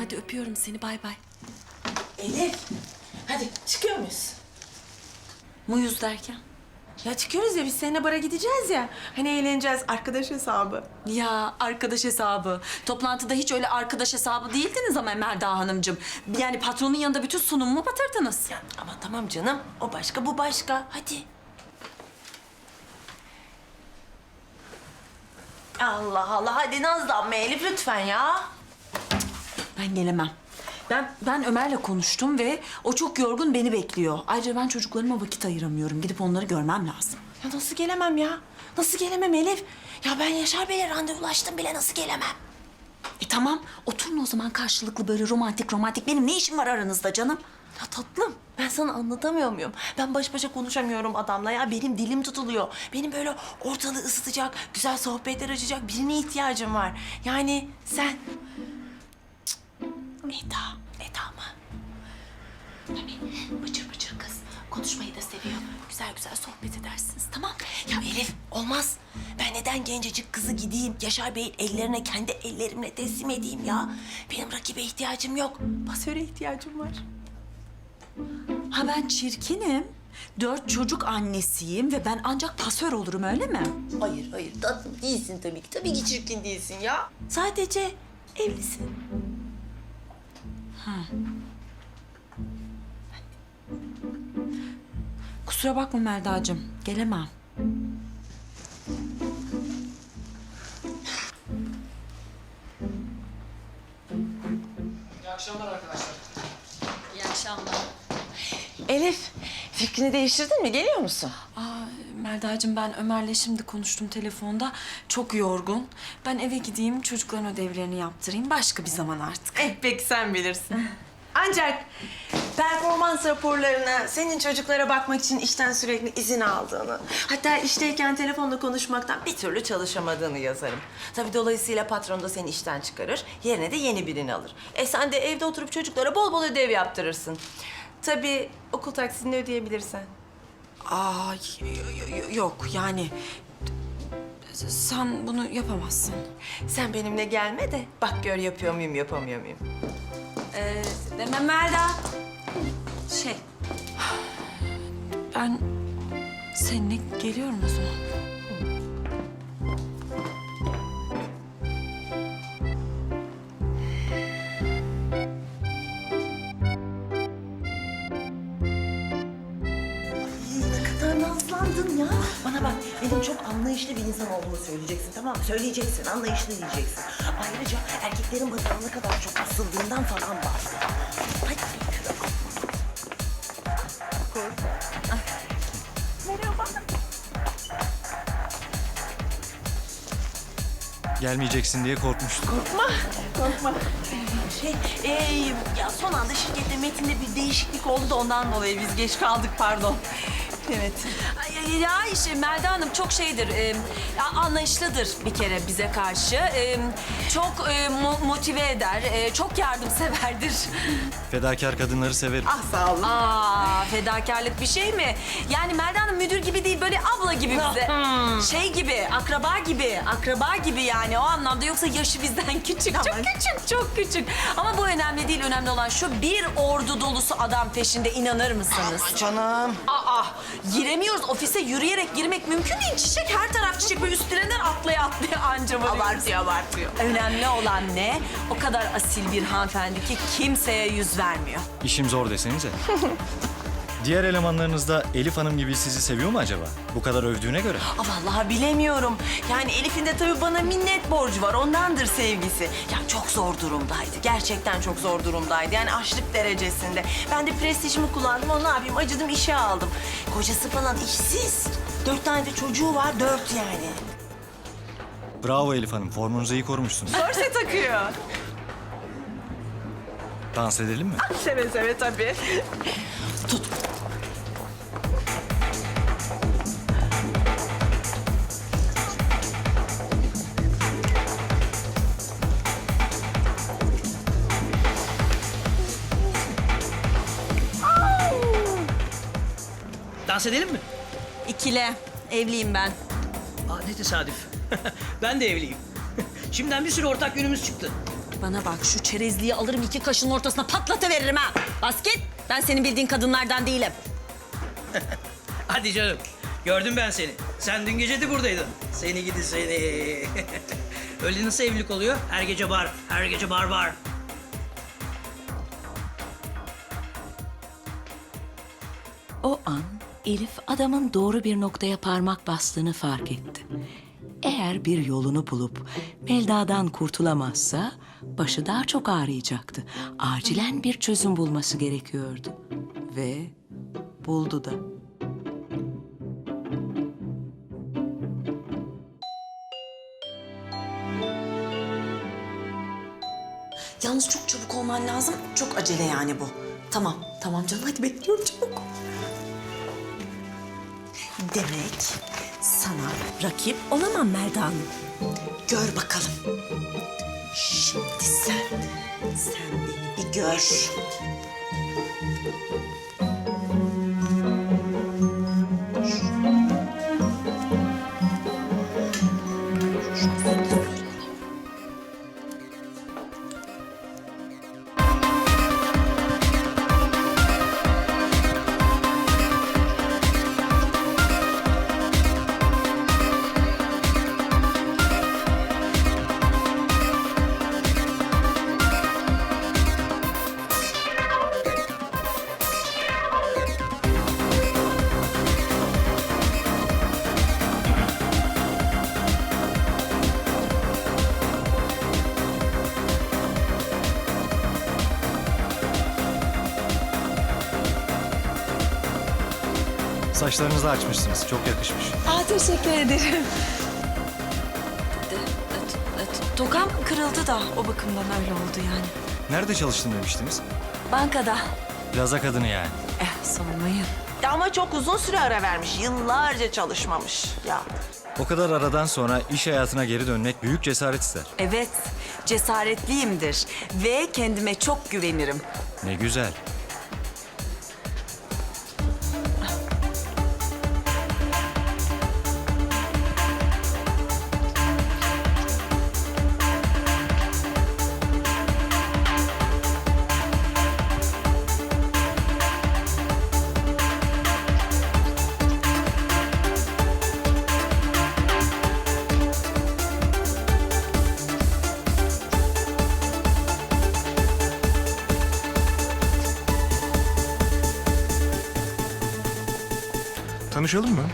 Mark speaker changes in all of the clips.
Speaker 1: Hadi öpüyorum seni, bay bay.
Speaker 2: Elif, hadi çıkıyor muyuz?
Speaker 1: Muyuz derken?
Speaker 2: Ya çıkıyoruz ya, biz seninle bara gideceğiz ya. Hani eğleneceğiz, arkadaş hesabı.
Speaker 1: Ya arkadaş hesabı. Toplantıda hiç öyle arkadaş hesabı değildiniz ama Melda Hanımcığım. Yani patronun yanında bütün sunumumu batırdınız.
Speaker 2: Ya ama tamam canım, o başka bu başka. Hadi. Allah Allah, hadi nazlanma Elif lütfen ya.
Speaker 1: Ben gelemem. Ben Ömer'le konuştum ve o çok yorgun, beni bekliyor. Ayrıca ben çocuklarıma vakit ayıramıyorum. Gidip onları görmem lazım.
Speaker 2: Ya nasıl gelemem ya? Nasıl gelemem Elif? Ya ben Yaşar Bey'le randevulaştım bile, nasıl gelemem?
Speaker 1: Tamam, oturun o zaman karşılıklı böyle romantik. Benim ne işim var aranızda canım?
Speaker 2: Ya tatlım, ben sana anlatamıyor muyum? Ben baş başa konuşamıyorum adamla ya. Benim dilim tutuluyor. Benim böyle ortalığı ısıtacak, güzel sohbetler açacak birine ihtiyacım var. Yani sen... Eda mı?
Speaker 1: Tabii, bıcır kız. Konuşmayı da seviyor. Güzel sohbet edersiniz, tamam?
Speaker 2: Ya Elif, olmaz. Ben neden gencecik kızı gideyim, Yaşar Bey'in ellerine kendi ellerimle teslim edeyim ya? Benim rakibe ihtiyacım yok. Pasöre ihtiyacım var.
Speaker 1: Ha ben çirkinim. 4 çocuk annesiyim ve ben ancak pasör olurum, öyle mi?
Speaker 2: Hayır tatlım değilsin tabii ki. Tabii ki çirkin değilsin ya. Sadece evlisin.
Speaker 1: Kusura bakma Melda'cığım, gelemem.
Speaker 3: İyi akşamlar arkadaşlar.
Speaker 1: İyi akşamlar.
Speaker 2: Elif, fikrini değiştirdin mi? Geliyor musun?
Speaker 1: Melda'cığım, ben Ömer'le şimdi konuştum telefonda. Çok yorgun. Ben eve gideyim, çocukların ödevlerini yaptırayım. Başka bir zaman artık.
Speaker 2: Peki sen bilirsin. Ancak performans raporlarına senin çocuklara bakmak için işten sürekli izin aldığını, hatta işteyken telefonla konuşmaktan bir türlü çalışamadığını yazarım. Tabii dolayısıyla patron da seni işten çıkarır, yerine de yeni birini alır. Sen de evde oturup çocuklara bol bol ödev yaptırırsın. Tabii okul taksitini ödeyebilirsen.
Speaker 1: Yok yani. Sen bunu yapamazsın.
Speaker 2: Sen benimle gelme de bak gör yapıyor muyum, yapamıyor muyum?
Speaker 1: Melda. Ben seninle geliyorum o zaman.
Speaker 2: Ne kadar nazlandın ya. Bana bak, benim çok anlayışlı bir insan olduğumu söyleyeceksin, tamam mı? Söyleyeceksin, anlayışlı diyeceksin. Ayrıca erkeklerin bana ne kadar çok asıldığından falan bahset. Hadi yürü. Merhaba.
Speaker 3: Gelmeyeceksin diye korkmuştum.
Speaker 2: Korkma. Ya son anda şirkette Metin'de bir değişiklik oldu da ondan dolayı biz geç kaldık, pardon. Evet.
Speaker 1: Ya işte Melda Hanım çok anlayışlıdır bir kere bize karşı. Çok motive eder, çok yardımseverdir.
Speaker 3: Fedakar kadınları severim.
Speaker 2: Ah sağ olun.
Speaker 1: Fedakarlık bir şey mi? Yani Melda Hanım müdür gibi değil, böyle abla gibi bize. Şey gibi, akraba gibi yani o anlamda. Yoksa yaşı bizden küçük, çok küçük. Ama bu önemli değil, önemli olan şu: bir ordu dolusu adam peşinde, inanır mısınız?
Speaker 2: Canım.
Speaker 1: Giremiyoruz ofise, yürüyerek girmek mümkün değil. Çiçek, her taraf çiçek, böyle üstlerinden atlaya anca varıyoruz.
Speaker 2: Abartıyor.
Speaker 1: Önemli olan ne? O kadar asil bir hanımefendi ki kimseye yüz vermiyor.
Speaker 3: İşim zor desenize. Diğer elemanlarınız da Elif Hanım gibi sizi seviyor mu acaba? Bu kadar övdüğüne göre.
Speaker 2: Vallahi bilemiyorum. Yani Elif'in de tabii bana minnet borcu var. Ondandır sevgisi. Ya çok zor durumdaydı. Gerçekten çok zor durumdaydı. Yani açlık derecesinde. Ben de prestijimi kullandım. Onu ne yapayım? Acıdım, işe aldım. Kocası falan işsiz. 4 tane de çocuğu var. 4 yani.
Speaker 3: Bravo Elif Hanım, formunuzu iyi korumuşsunuz.
Speaker 2: Korse takıyor.
Speaker 3: Dans edelim mi?
Speaker 2: Seve seve tabii. Tut.
Speaker 4: Dans edelim mi?
Speaker 1: İkile, evliyim ben.
Speaker 4: Ne tesadüf. Ben de evliyim. Şimdiden bir sürü ortak yönümüz çıktı.
Speaker 1: Bana bak, şu çerezliği alırım 2 kaşın ortasına patlatıveririm ha. Bas git. Ben senin bildiğin kadınlardan değilim.
Speaker 4: Hadi canım. Gördüm ben seni. Sen dün gece de buradaydın. Seni gidi seni. Öyle nasıl evlilik oluyor? Her gece bar, her gece bar bar.
Speaker 5: O an Elif adamın doğru bir noktaya parmak bastığını fark etti. Eğer bir yolunu bulup Melda'dan kurtulamazsa başı daha çok ağrıyacaktı. Acilen bir çözüm bulması gerekiyordu. Ve buldu da.
Speaker 1: Yalnız çok çabuk olman lazım. Çok acele yani bu. Tamam, tamam canım. Hadi bekliyorum çabuk. Demek sana rakip olamam Melda Hanım. Gör bakalım. Şimdi sen beni bir gör.
Speaker 3: Saçlarınızı açmışsınız. Çok yakışmış.
Speaker 1: Teşekkür ederim. Tokam kırıldı da o bakımdan öyle oldu yani.
Speaker 3: Nerede çalıştın demiştiniz?
Speaker 1: Bankada.
Speaker 3: Plaza kadını yani.
Speaker 1: Sormayın.
Speaker 2: Ama çok uzun süre ara vermiş. Yıllarca çalışmamış. Ya.
Speaker 3: O kadar aradan sonra iş hayatına geri dönmek büyük cesaret ister.
Speaker 1: Evet, cesaretliyimdir ve kendime çok güvenirim.
Speaker 3: Ne güzel.
Speaker 6: Tanışalım mı?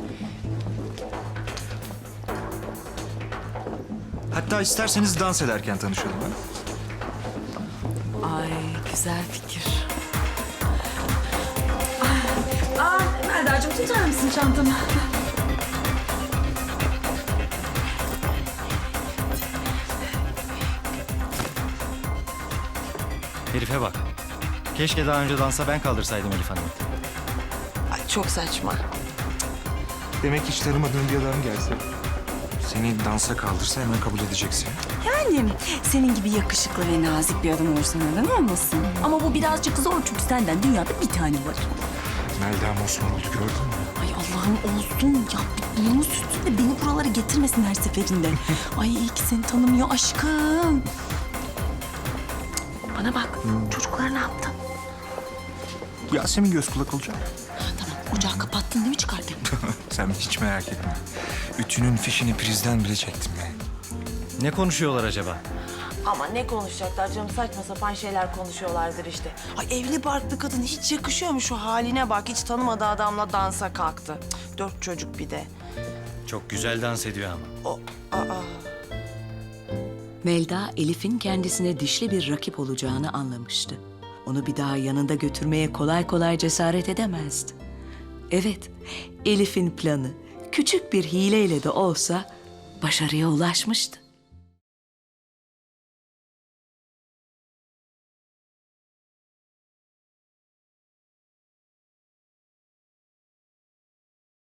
Speaker 6: Hatta isterseniz dans ederken tanışalım. Ha?
Speaker 1: Ay, güzel fikir. Melda'cığım tutar mısın çantamı?
Speaker 3: Herife bak. Keşke daha önce dansa ben kaldırsaydım Elif Hanım'ı.
Speaker 2: Ay, çok saçma.
Speaker 6: Demek hiç tanımadığın bir adam gelse, seni dansa kaldırsa hemen kabul edeceksin.
Speaker 7: Yani senin gibi yakışıklı ve nazik bir adam olursa neden olmasın? Ama bu birazcık zor çünkü senden dünyada bir tane var.
Speaker 6: Melda Osmanoğlu gördün mü?
Speaker 7: Ay Allah'ım olsun ya. Bunu sürsün de beni buralara getirmesin her seferinde. Ay iyi ki seni tanımıyor aşkım. Bana bak çocuklara ne yaptın?
Speaker 6: Yasemin göz kulak olacak.
Speaker 7: Tamam ocağı kapattın değil mi çıkarken?
Speaker 6: Sen hiç merak etme. Ütünün fişini prizden bile çektim yani.
Speaker 3: Ne konuşuyorlar acaba?
Speaker 2: Ama ne konuşacaklar canım? Saçma sapan şeyler konuşuyorlardır işte. Ay evli barklı kadın hiç yakışıyor mu şu haline bak? Hiç tanımadığı adamla dansa kalktı. 4 çocuk bir de.
Speaker 3: Çok güzel dans ediyor ama.
Speaker 5: Melda, Elif'in kendisine dişli bir rakip olacağını anlamıştı. Onu bir daha yanında götürmeye kolay kolay cesaret edemezdi. Evet, Elif'in planı küçük bir hileyle de olsa başarıya ulaşmıştı.